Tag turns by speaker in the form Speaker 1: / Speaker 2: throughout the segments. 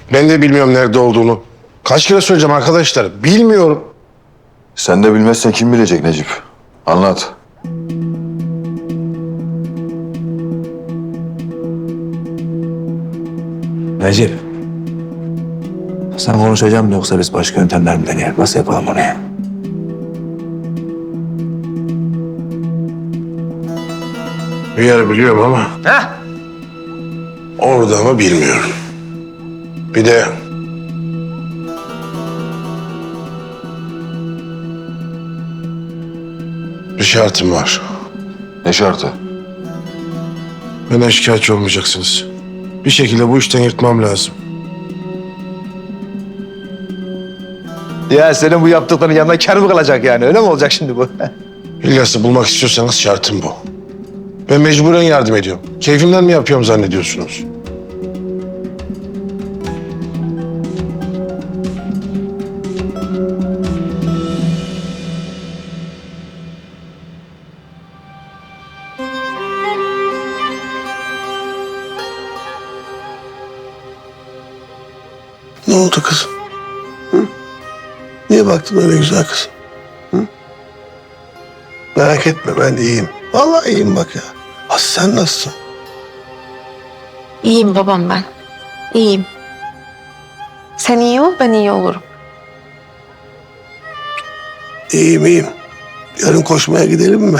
Speaker 1: Ben de bilmiyorum nerede olduğunu. Kaç kere söyleyeceğim arkadaşlar. Bilmiyorum.
Speaker 2: Sen de bilmezsen kim bilecek Necip? Anlat.
Speaker 3: Recep. Sen konuşacağım mı yoksa biz başka yöntemler mi deneyelim? Nasıl yapalım onu ya?
Speaker 1: Bir yer biliyorum ama orada mı bilmiyorum. Bir de bir şartım var.
Speaker 2: Ne şartı?
Speaker 1: Benden şikayetçi olmayacaksınız. Bir şekilde bu işten yırtmam lazım.
Speaker 3: Ya senin bu yaptıkların yanına kâr mı kalacak yani? Öyle mi olacak şimdi bu?
Speaker 1: İlyas'ı bulmak istiyorsanız şartım bu. Ben mecburen yardım ediyorum. Keyfimden mi yapıyorum zannediyorsunuz?
Speaker 4: Ne oldu kızım? Hı? Niye baktın öyle güzel kızım? Hı? Merak etme ben iyiyim. Vallahi iyiyim bak ya. Aslı sen nasılsın?
Speaker 5: İyiyim babam ben. İyiyim. Sen iyi ol, ben iyi olurum.
Speaker 4: İyiyim iyiyim. Yarın koşmaya gidelim mi?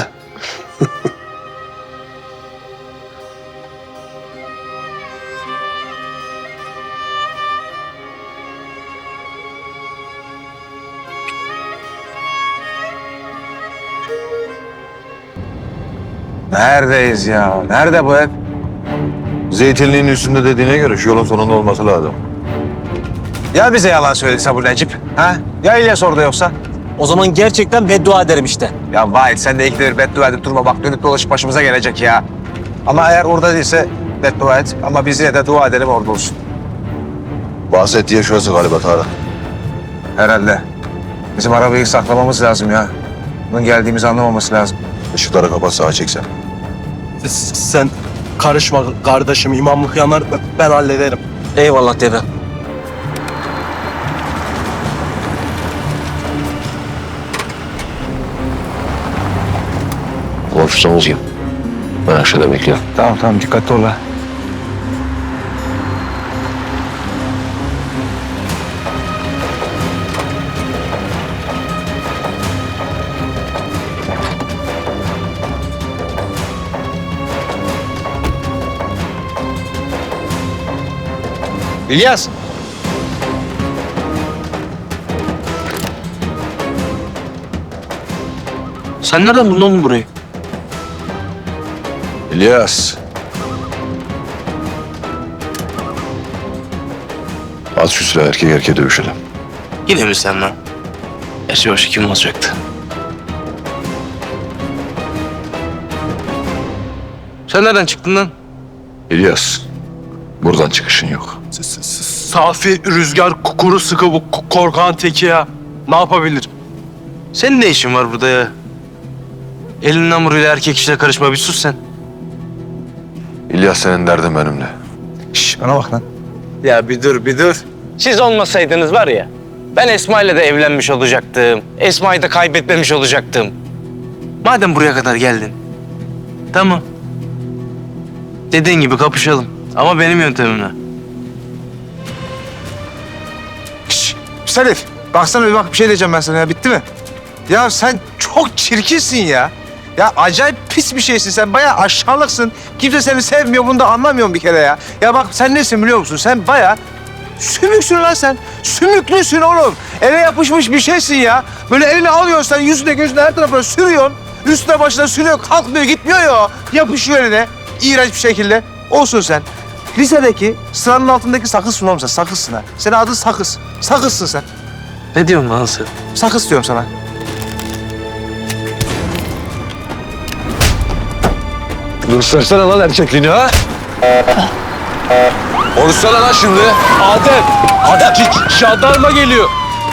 Speaker 3: Neredeyiz ya? Nerede bu ev?
Speaker 2: Zeytinliğin üstünde dediğine göre şu yolun sonunda olması lazım.
Speaker 3: Ya bize yalan söylediyse bu Necip? Ha? Ya İlyas orada yoksa?
Speaker 6: O zaman gerçekten beddua ederim işte.
Speaker 3: Ya Vahit sen de ikileri beddua edip durma. Bak dönüp dolaşıp başımıza gelecek ya. Ama eğer orada değilse beddua et. Ama biz yine de dua edelim orada olsun.
Speaker 2: Bahsettiği yer şurası galiba Tarık.
Speaker 3: Herhalde. Bizim arabayı saklamamız lazım ya. Bunun geldiğimizi anlamaması lazım.
Speaker 2: Işıkları kapat sağa çeksen.
Speaker 6: Sen karışma kardeşim, imamlık yanar, ben hallederim. Eyvallah dede.
Speaker 7: Konuşsanız gibi. Ben aşağıda bekliyorum.
Speaker 3: Tamam dikkatli ol ha. İlyas.
Speaker 6: Sen nereden buldun oğlum burayı?
Speaker 2: İlyas. At şu silahı erkek erkeğe dövüşelim.
Speaker 7: Yine mi sen lan? Gerçi başka kim olacaktı?
Speaker 6: Sen nereden çıktın lan?
Speaker 2: İlyas. Buradan çıkışın yok.
Speaker 6: Safi rüzgar kuru sıkı bu korkan teki ya. Ne yapabilir?
Speaker 7: Senin ne işin var burada ya? Elin hamuruyla erkek işine karışma, bir sus sen.
Speaker 2: İlyas senin derdin benimle.
Speaker 3: Şş, bana bak lan.
Speaker 7: Ya bir dur. Siz olmasaydınız var ya, ben Esma ile de evlenmiş olacaktım. Esma'yı da kaybetmemiş olacaktım. Madem buraya kadar geldin, tamam. Dediğin gibi kapışalım ama benim yöntemimle.
Speaker 3: Şş, Salif. Baksana bir şey diyeceğim ben sana ya. Bitti mi? Ya sen çok çirkinsin ya. Ya acayip pis bir şeysin sen. Bayağı aşağılıksın. Kimse seni sevmiyor. Bunu da anlamıyorum bir kere ya. Ya bak sen nesin biliyor musun? Sen bayağı sümüksün lan sen. Sümüklüsün oğlum. Ele yapışmış bir şeysin ya. Böyle elini alıyorsun sen yüzüne gözüne her tarafına sürüyorsun. Üstüne başına sürüyor. Kalkmıyor gitmiyor ya. Yapışıyor eline. İğrenç bir şekilde. Olsun sen. Lisedeki sıranın altındaki sakızsın oğlum sen. Sakızsın ha. Senin adın Sakız. Sakızsın sen.
Speaker 7: Ne diyorsun lan sen?
Speaker 3: Sakız diyorum sana.
Speaker 2: Göstersene lan erkekliğini ha. Konuşsana lan şimdi.
Speaker 6: Adem, jandarma geliyor.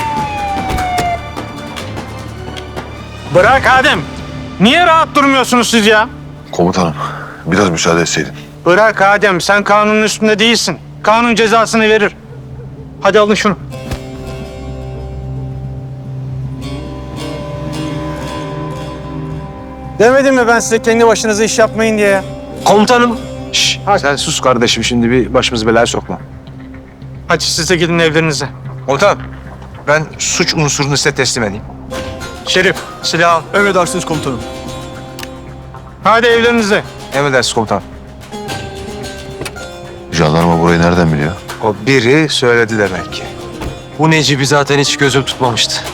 Speaker 8: Bırak Adem. Niye rahat durmuyorsunuz siz ya?
Speaker 2: Komutanım biraz müsaade etseydin.
Speaker 8: Bırak Adem, sen kanunun üstünde değilsin. Kanun cezasını verir. Hadi alın şunu. Demedim mi ben size kendi başınıza iş yapmayın diye ya?
Speaker 6: Komutanım.
Speaker 3: Şşş, sen sus kardeşim şimdi bir başımızı belaya sokma.
Speaker 8: Hadi siz de gidin evlerinize.
Speaker 3: Komutanım ben suç unsurunu size teslim edeyim.
Speaker 8: Şerif, silah al.
Speaker 6: Emredersiniz komutanım.
Speaker 8: Hadi evlerinize.
Speaker 3: Emredersiniz komutanım.
Speaker 2: Jandarma burayı nereden biliyor?
Speaker 3: O biri söyledi demek ki.
Speaker 6: Bu Necip'i zaten hiç gözüm tutmamıştı.